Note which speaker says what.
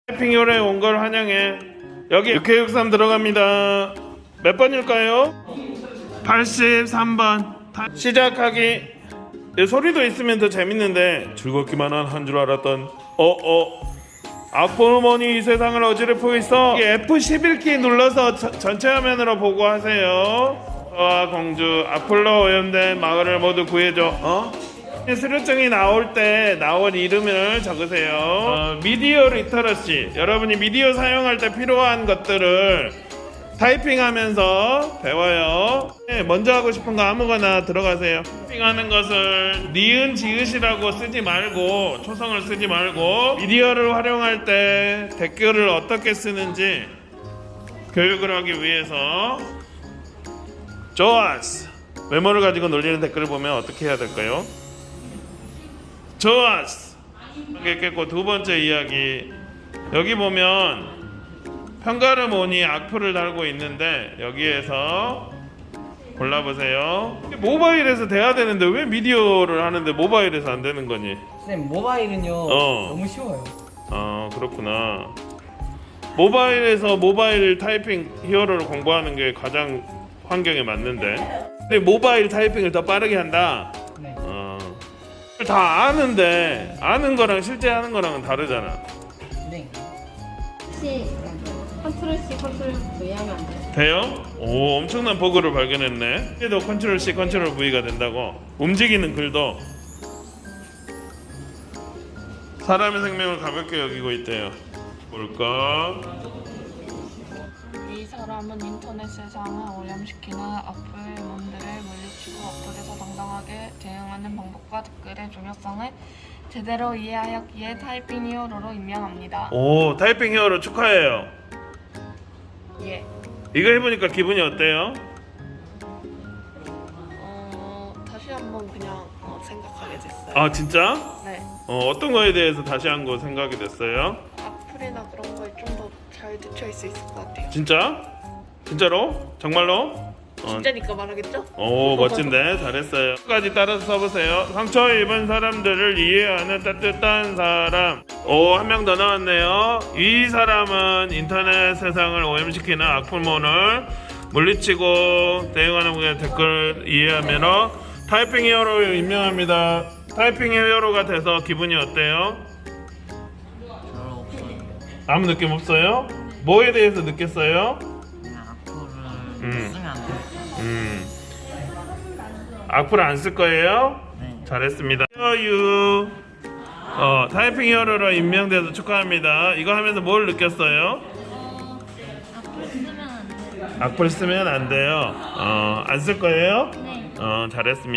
Speaker 1: 타이핑 요래 온 걸 환영해. 여기 663 들어갑니다. 몇 번일까요? 83번. 시작하기. 소리도 있으면 더 재밌는데 즐겁기만 한 줄 알았던 악보머니 이 세상을 어지럽히고 있어. F11키 눌러서 전체 화면으로 보고 하세요. 공주 아폴로 오염된 마을을 모두 구해줘. 수료증이 나올 때 나온 이름을 적으세요. 미디어 리터러시, 여러분이 미디어 사용할 때 필요한 것들을 타이핑하면서 배워요. 먼저 하고 싶은 거 아무거나 들어가세요. 타이핑하는 것을 니은 지읒이라고 쓰지 말고, 초성을 쓰지 말고, 미디어를 활용할 때 댓글을 어떻게 쓰는지 교육을 하기 위해서. 좋았어. 외모를 가지고 놀리는 댓글을 보면 어떻게 해야 될까요? 좋았어. 깼고, 두 번째 이야기. 여기 보면 편가르모니 악플을 달고 있는데 여기에서 골라보세요. 모바일에서 돼야 되는데 왜 미디어를 하는데 모바일에서 안 되는 거니?
Speaker 2: 선생님, 모바일은요 너무 쉬워요.
Speaker 1: 그렇구나. 모바일에서 모바일 타이핑 히어로를 공부하는 게 가장 환경에 맞는데, 근데 모바일 타이핑을 더 빠르게 한다.
Speaker 2: 네.
Speaker 1: 다 아는데 아는 거랑 실제 하는 거랑은 다르잖아.
Speaker 2: 네.
Speaker 3: 혹시 컨트롤 C, 컨트롤 V 하면 안 돼요?
Speaker 1: 돼요? 오, 엄청난 버그를 발견했네. 얘도 컨트롤 C, 컨트롤 V가 된다고. 움직이는 글도 사람의 생명을 가볍게 여기고 있대요. 뭘까?
Speaker 4: 이 사람은 인터넷 세상을 오염시키는 악플몬들을 물리치고 어플에서 당당하게 대응하는 방법과 댓글의 중요성을 제대로 이해하였기에 타이핑 히어로로 임명합니다.
Speaker 1: 오, 타이핑 히어로 축하해요.
Speaker 4: 예.
Speaker 1: 이거 해보니까 기분이 어때요?
Speaker 4: 다시 한번 그냥 생각하게 됐어요.
Speaker 1: 아, 진짜?
Speaker 4: 네.
Speaker 1: 어떤 거에 대해서 다시 한 거 생각이 됐어요?
Speaker 4: 악플이나 그런 거에 좀 더 잘 대처할 수 있을 것 같아요.
Speaker 1: 진짜? 진짜로? 정말로?
Speaker 4: 진짜니까 말하겠죠?
Speaker 1: 오, 멋진데? 잘했어요. 끝까지 따라서 써보세요. 상처 입은 사람들을 이해하는 따뜻한 사람. 오, 한 명 더 나왔네요. 이 사람은 인터넷 세상을 오염시키는 악플몬을 물리치고 대응하는 분의 댓글 이해하면 타이핑 히어로 임명합니다. 타이핑 히어로가 돼서 기분이 어때요?
Speaker 2: 별로 없어요.
Speaker 1: 아무 느낌 없어요? 뭐에 대해서 느꼈어요?
Speaker 2: 그냥 악플을 쓰면 안 돼요.
Speaker 1: 악플 안 쓸 거예요?
Speaker 2: 네.
Speaker 1: 잘했습니다. 유 타이핑 히어로로 임명돼서 축하합니다. 이거 하면서 뭘 느꼈어요?
Speaker 3: 악플 쓰면 안 돼요.
Speaker 1: 악플 쓰면 안 돼요. 안 쓸 거예요?
Speaker 3: 네.
Speaker 1: 잘했습니다.